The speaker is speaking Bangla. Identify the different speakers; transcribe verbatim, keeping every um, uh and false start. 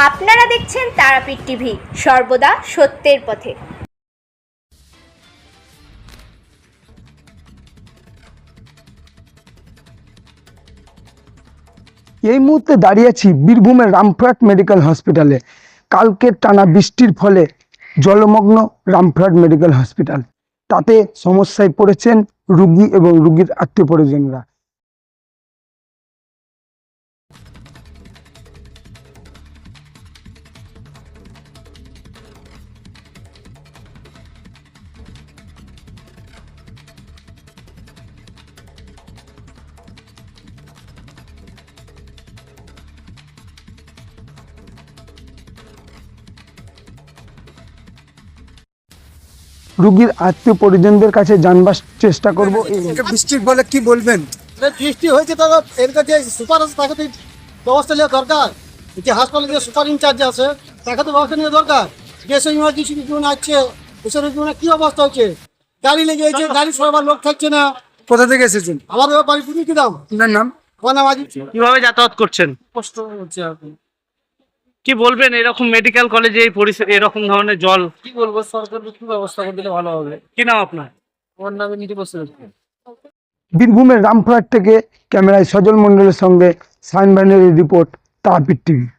Speaker 1: আপনারা দেখছেন তারাপীঠ টিভি, সর্বদা সত্যের পথে।
Speaker 2: এই মুহূর্তে দাঁড়িয়ে আছি বীরভূমের রামপুরহাট মেডিকেল হসপিটালে। কালকের টানা বৃষ্টির ফলে জলমগ্ন রামপুরহাট মেডিকেল হসপিটাল। তাতে সমস্যায় পড়েছেন রোগী এবং রোগীর আত্মীয় পরিজনরা। রোগীর আত্মীয় পরিজনদের কাছে জানবার চেষ্টা করব। বৃষ্টির ফলে কি বলবেন?
Speaker 3: বৃষ্টি হয়েছে তো এর কাছে সুপার আছে, তাকে তো ব্যবস্থা নেওয়া দরকার। যে হাসপাতালে যে সুপার ইনচার্জ আছে তাকে তো ব্যবস্থা নেওয়া দরকার। যেসব ইমার্জেন্সি জীবন আসছে ওসব জীবনে কি অবস্থা হচ্ছে, গাড়ি লেগে গেছে, গাড়ি সবার লোক থাকছে না।
Speaker 2: কোথা থেকে এসেছেন?
Speaker 3: আমার বাড়ি তুমি কি দাম?
Speaker 2: আপনার নাম?
Speaker 3: আমার নাম আজিজ।
Speaker 4: কিভাবে যাতায়াত করছেন?
Speaker 3: কষ্ট হচ্ছে এখন।
Speaker 4: কি বলবেন এরকম মেডিকেল কলেজে এই পরিস্থিতি, এরকম ধরনের জল?
Speaker 3: কি বলবো, সরকার কি ব্যবস্থা করে দিলে ভালো হবে।
Speaker 4: কি নাম আপনার?
Speaker 3: আমার নামে নিতে বসে
Speaker 2: বীরভূমের রামপুরহাট থেকে ক্যামেরায় সজল মণ্ডলের সঙ্গে সাইন ব্যানারের রিপোর্ট, তারাপীঠ টিভি।